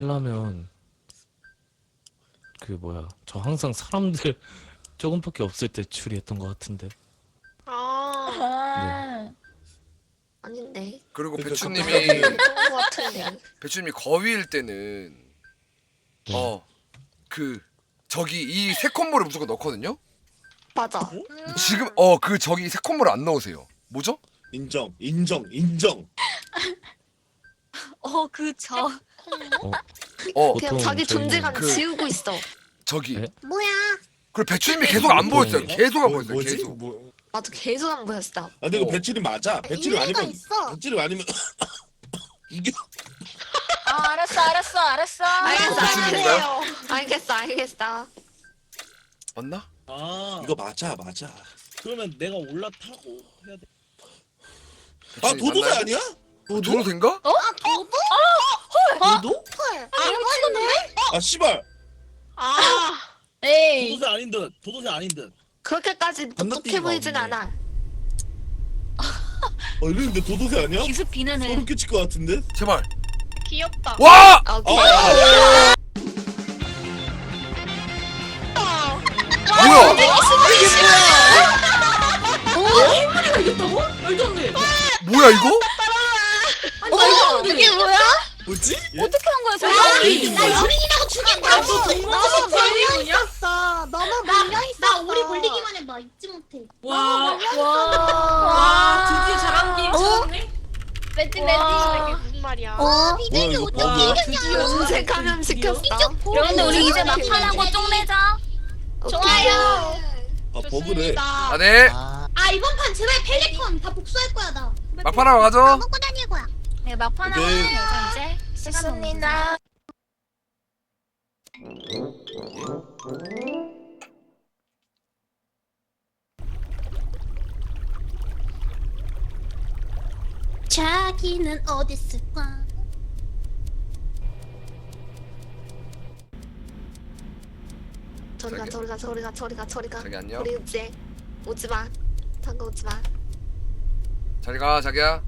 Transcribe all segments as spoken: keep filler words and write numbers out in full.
하려면 그 뭐야 저 항상 사람들 조금밖에 없을 때 추리했던 것 같은데. 아, 네. 아, 아닌데. 그리고 그러니까 배추님이 갑자기- 그런 거 같은데. 배추님이 거위일 때는 네. 어 그 저기 이 세 콤보를 무조건 넣거든요. 맞아. 지금 어 그 저기 세 콤보를 안 넣으세요. 뭐죠? 인정, 인정, 인정. 어, 그 저. 어 그냥 보통 자기 저희는 존재감 그- 지우고 있어. 저기 네? 뭐야? 그리고 배추님이 계속 안 보였어요. 계속 안 뭐, 보였어요. 뭐지? 계속. 뭐. 나도 계속 안 보였어. 아, 근데 이거 어. 배칠이 맞아. 배칠이 일리가 아니면 있어. 배칠이 아니면 이게 아, 알았어, 알았어, 알았어. 알겠어, 배추님인가요? 알겠어. 알겠어, 알겠어. 맞나? 아 이거 맞아, 맞아. 그러면 내가 올라타고 해야 돼. 아, 배추님 도도새 맞나요? 아니야? 도도? 도도새인가? 도도? 헐, 알겠네. 아, 씨발. 아, 에이. 도도새 아닌 듯. 도도새 아닌 듯. 그렇게까지 똑똑해 건너뛰기가 보이진 없네. 않아. 어, 이랬는데 도도새 아니야? 기습 비는 애. 소름 끼칠 것 같은데? 제발. 귀엽다. 와! 아, 어, 귀여워. 뭐야? 뭐야 이거? 어, 이게 뭐야? 뭐지? 어떻게 한 거야, 저거? 나 연인이라고 죽였다. 너무 걸려 있었어. 너무 걸려 있었어. 나 오리 걸리기만 해. 나 잊지 못해. 와, 와. 와, 드디어 잘한 게임 찾았네. 멘트 와. 멘트. 무슨 말이야? 어, 비둘기 이거 어떻게 뭐야? 이겼냐? 언제 감염시켰어? 그런데 우리 이제 막판하고 쪽내자. 좋아요. 아, 버그래. 아 네. 아 이번 판 제발 펠리컨 다 복수할 거야 나. 막판하고 가죠. 먹고 다닐 거야. 네, 막판하고 오케이. 하자, 이제. 시간 없습니다. 자기는 어디 있을까? 저리 가, 저리 가, 저리 가, 저리 가, 저리 가. 자기 안녕. 우리 이제 오지 마. 잠깐 오지 마. 잘 가 자기야.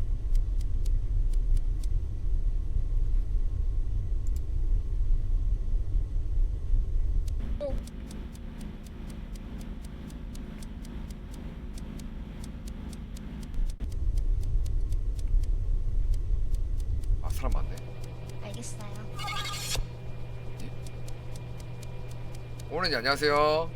아 사람 많네. 알겠어요. 오렌지 안녕하세요.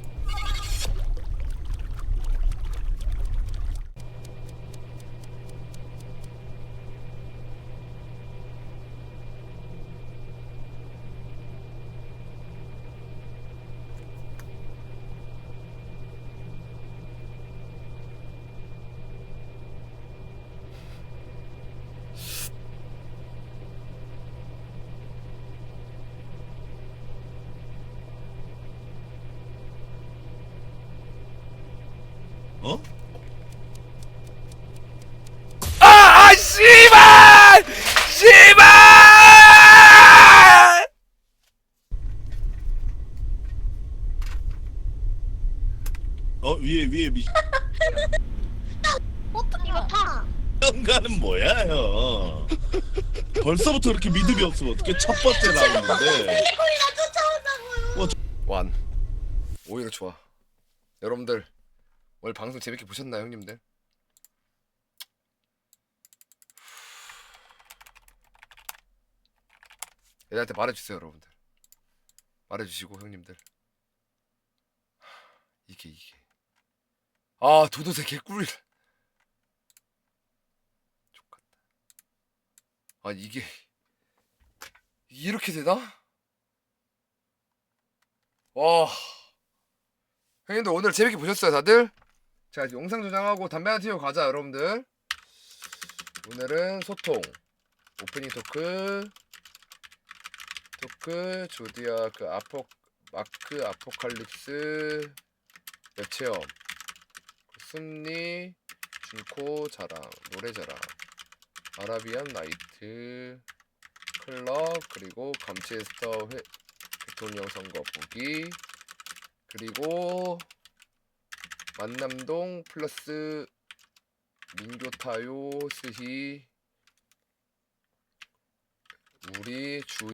어? 아! 아 씨발! 씨발! 어, 위에, 위에 미. 이거 타. 현가는 뭐야, 형? 벌써부터 이렇게 믿음이 없으면 어떻게 첫 번째 나오는데? 펠리컨이나 쫓아온다고요. 완. 오히려 좋아. 여러분들 오늘 방송 재밌게 보셨나요, 형님들? 애들한테 말해주세요, 여러분들. 말해주시고 형님들. 하, 이게 이게. 아 도도새 개꿀. 족같다. 아 이게 이렇게 되나? 와. 형님들 오늘 재밌게 보셨어요 다들? 자 이제 영상 저장하고 담배 하나 튀고 가자 여러분들. 오늘은 소통 오프닝 토크 토크 조디아크 아포 마크 아포칼립스 웹체험 순리 준코 자랑 노래 자랑 아라비안 나이트 클럽 그리고 감치에스터 회, 대통령 선거 보기 그리고 만남동 플러스 민교타요 스히 우리 주